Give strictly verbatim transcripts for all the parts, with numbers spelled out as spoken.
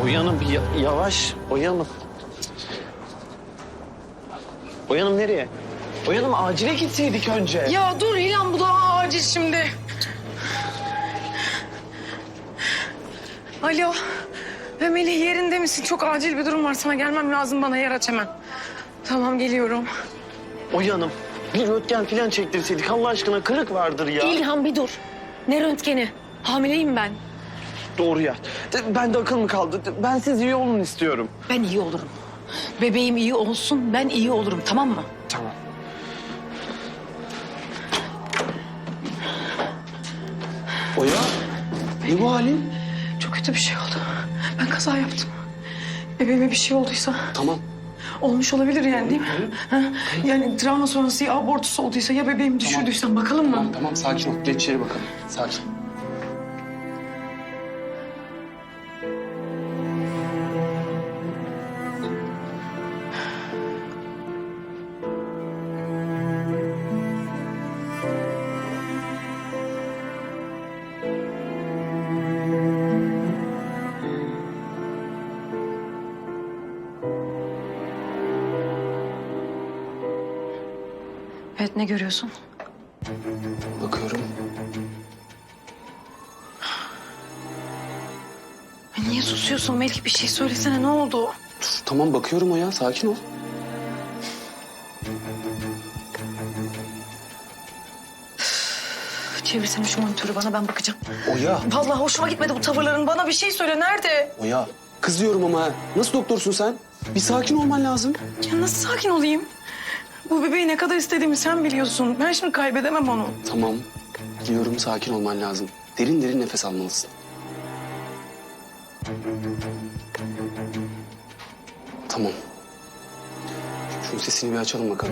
Uyanın bir ya- yavaş. Uyanın. Uyanın nereye? Uyanım acile gitseydik önce. Ya dur İlhan, bu daha acil şimdi. Alo. Ve Melih, yerinde misin? Çok acil bir durum var. Sana gelmem lazım. Bana yer aç hemen. Tamam, geliyorum. Uyanım. Bir röntgen falan çektirseydik Allah aşkına, kırık vardır ya. İlhan bir dur. Ne röntgeni? Hamileyim ben. Doğru ya. Ben de akıl mı kaldı? Ben siz iyi olun istiyorum. Ben iyi olurum. Bebeğim iyi olsun, ben iyi olurum, tamam mı? Tamam. Oya, ne bu halin? Çok kötü bir şey oldu. Ben kaza yaptım. Bebeğime bir şey olduysa Tamam. olmuş olabilir yani, değil mi? Ha? Yani travma sonrası ya abortusu olduysa ya bebeğimi düşürdüysen, bakalım mı? Tamam, tamam sakin ol. Geç içeri bakalım. Sakin. Evet, ne görüyorsun? Bakıyorum. Niye susuyorsun Melih? Bir şey söylesene, ne oldu? Dur, tamam bakıyorum Oya. Sakin ol. Çevirsene şu monitörü bana, ben bakacağım. Oya. Vallahi hoşuma gitmedi bu tavırların. Bana bir şey söyle, nerede? Oya. Kızıyorum ama ha. Nasıl doktorsun sen? Bir sakin olman lazım. Ya nasıl sakin olayım? Bu bebeği ne kadar istediğimi sen biliyorsun. Ben şimdi kaybedemem onu. Tamam. Biliyorum, sakin olman lazım. Derin derin nefes almalısın. Tamam. Şunun sesini bir açalım bakalım.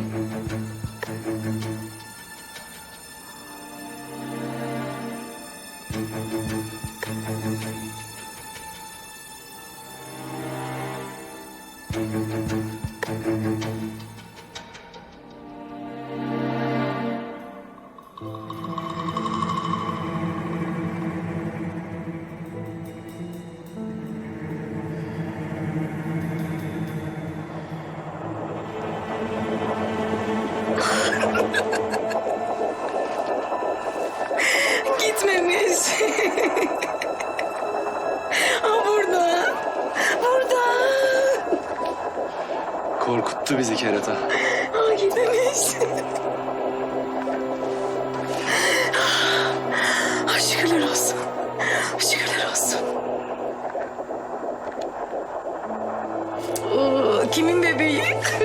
Gitmemiş. Ha, burada. Burada. Korkuttu bizi kerata. Ha, gitmemiş. Ha, şükürler olsun. Şükürler olsun. Oo, kimin bebeği?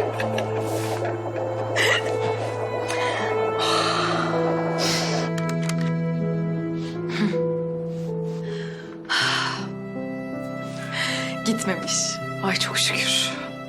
Gitmemiş. Ay çok şükür.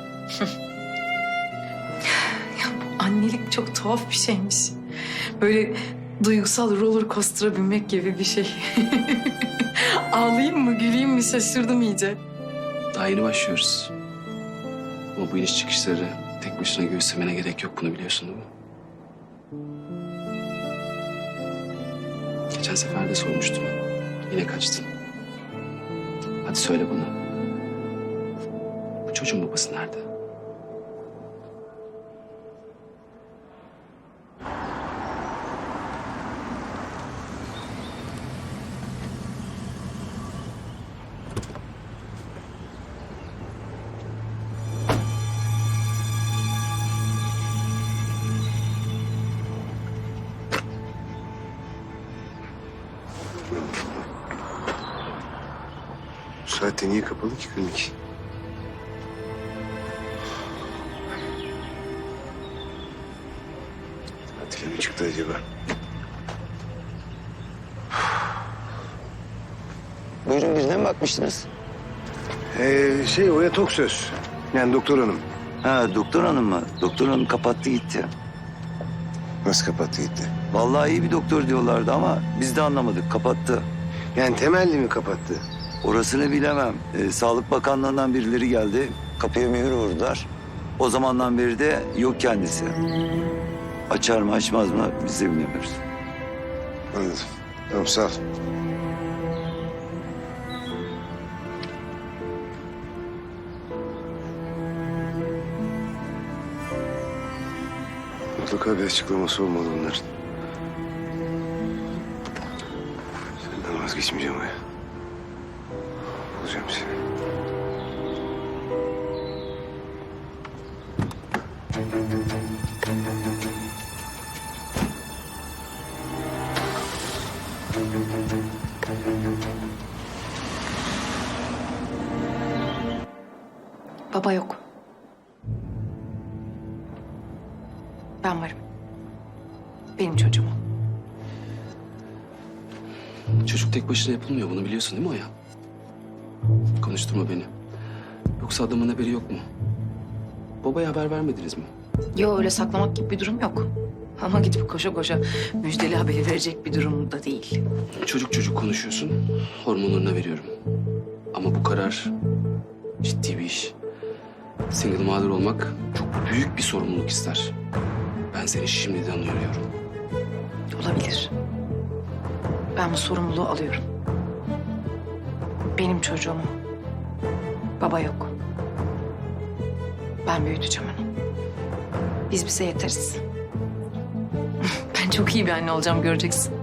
Ya bu annelik çok tuhaf bir şeymiş. Böyle duygusal roller coaster'a binmek gibi bir şey. Ağlayayım mı, güleyim mi şaşırdım iyice. Daha yeni başlıyoruz. Ama bu iniş çıkışları tek başına göğüslemene gerek yok. Bunu biliyorsun değil mi? Geçen sefer de sormuştum. Yine kaçtın. Hadi söyle bana. Bu çocuğun babası nerede? Bu saatte niye kapalı ki klinik? Tatile mi çıktı acaba? Buyurun, birine mi bakmıştınız? Ee, şey Oya Toksöz. Yani doktor hanım. Ha doktor hanım mı? Doktor hanım kapattı gitti. Nasıl kapattı gitti? Vallahi iyi bir doktor diyorlardı ama biz de anlamadık. Kapattı. Yani temelli mi kapattı? Orasını bilemem. Ee, Sağlık Bakanlığı'ndan birileri geldi. Kapıya mühür vurdular. O zamandan beri de yok kendisi. Açar mı açmaz mı biz de bilemiyoruz. Anladım. Tamam sağ ol. Mutlaka bir açıklaması olmalı onların. Senden vazgeçmeyeceğim Oya. Bulacağım seni. Baba yok. Ben varım. Benim çocuğum o. Çocuk tek başına yapılmıyor, bunu biliyorsun değil mi Oya? Konuşturma beni. Yoksa adamın haberi yok mu? Babaya haber vermediniz mi? Yo, öyle saklamak gibi bir durum yok. Ama gidip koşa koşa müjdeli haberi verecek bir durum da değil. Çocuk çocuk konuşuyorsun, hormonlarına veriyorum. Ama bu karar ciddi bir iş. Single mother olmak çok büyük bir sorumluluk ister. Ben seni şimdiden uyarıyorum. Olabilir. Ben bu sorumluluğu alıyorum. Benim çocuğum. Baba yok. Ben büyüteceğim onu. Biz bize yeteriz. Ben çok iyi bir anne olacağım, göreceksin.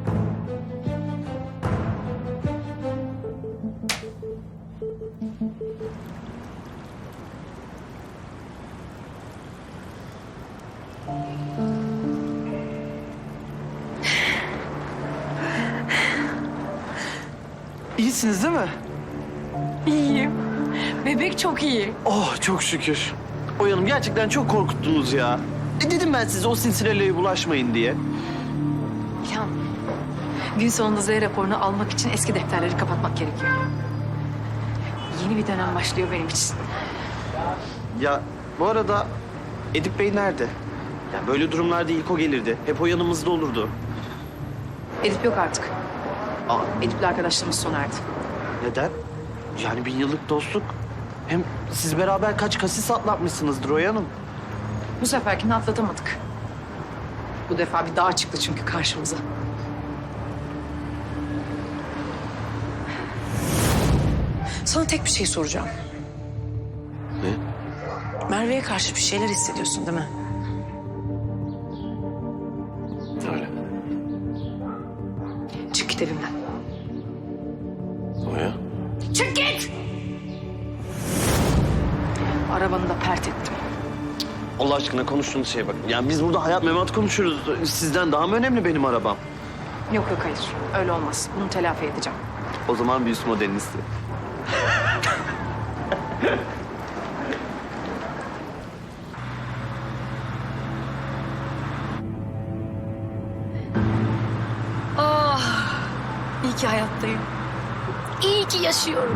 İyisiniz değil mi? İyiyim. Bebek çok iyi. Oh çok şükür. Oya Hanım gerçekten çok korkuttunuz ya. E dedim ben size o sinsilerle bulaşmayın diye. İlhan, gün sonunda Z raporunu almak için eski defterleri kapatmak gerekiyor. Yeni bir dönem başlıyor benim için. Ya bu arada Edip Bey nerede? Ya böyle durumlarda ilk o gelirdi. Hep o yanımızda olurdu. Edip yok artık. Aa, Edip'le arkadaşlığımız sona erdi. neden? Yani bin yıllık dostluk. Hem siz beraber kaç kasis atlatmışsınızdır Oya Hanım. Bu seferkini atlatamadık. Bu defa bir dağ çıktı çünkü karşımıza. Sana tek bir şey soracağım. Ne? Merve'ye karşı bir şeyler hissediyorsun değil mi? Öyle. Çık git evimden. Oya? Çık git! Arabanı da pert ettim. Allah aşkına konuştuğunuz şeye bakın. Yani biz burada hayat memat konuşuyoruz. Sizden daha mı önemli benim arabam? Yok yok, hayır. Öyle olmaz. Bunu telafi edeceğim. O zaman bir üst modelini istedim. Ah! İyi ki hayattayım. İyi ki yaşıyorum.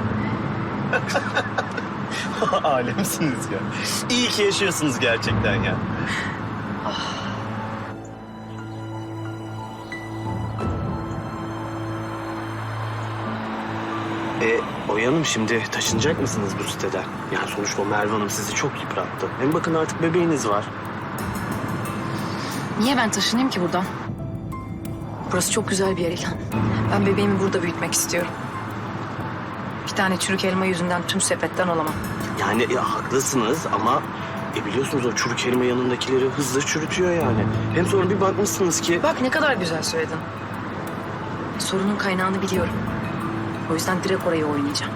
Alemsiniz ya. İyi ki yaşıyorsunuz gerçekten ya. E, Oya Hanım şimdi taşınacak mısınız bu siteden? Yani sonuçta o Merve Hanım sizi çok yıprattı. Hem bakın artık bebeğiniz var. Niye ben taşınayım ki buradan? Burası çok güzel bir yer İlhan. Ben bebeğimi burada büyütmek istiyorum. Bir tane çürük elma yüzünden tüm sepetten olamam. Yani e, haklısınız ama e, biliyorsunuz o çürük elma yanındakileri hızlı çürütüyor yani. Hem sonra bir bakmışsınız ki... Bak ne kadar güzel söyledin. Sorunun kaynağını biliyorum. O yüzden direkt oraya oynayacağım.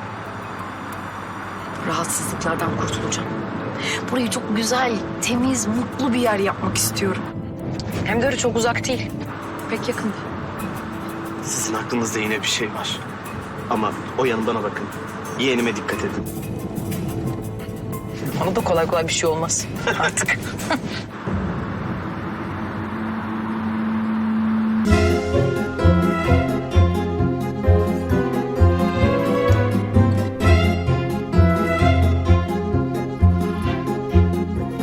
Rahatsızlıklardan kurtulacağım. Burayı çok güzel, temiz, mutlu bir yer yapmak istiyorum. Hem de öyle çok uzak değil. Pek yakın. Sizin aklınızda yine bir şey var. Ama Oya Hanım bana bakın. Yeğenime dikkat edin. Bana da kolay kolay bir şey olmaz artık.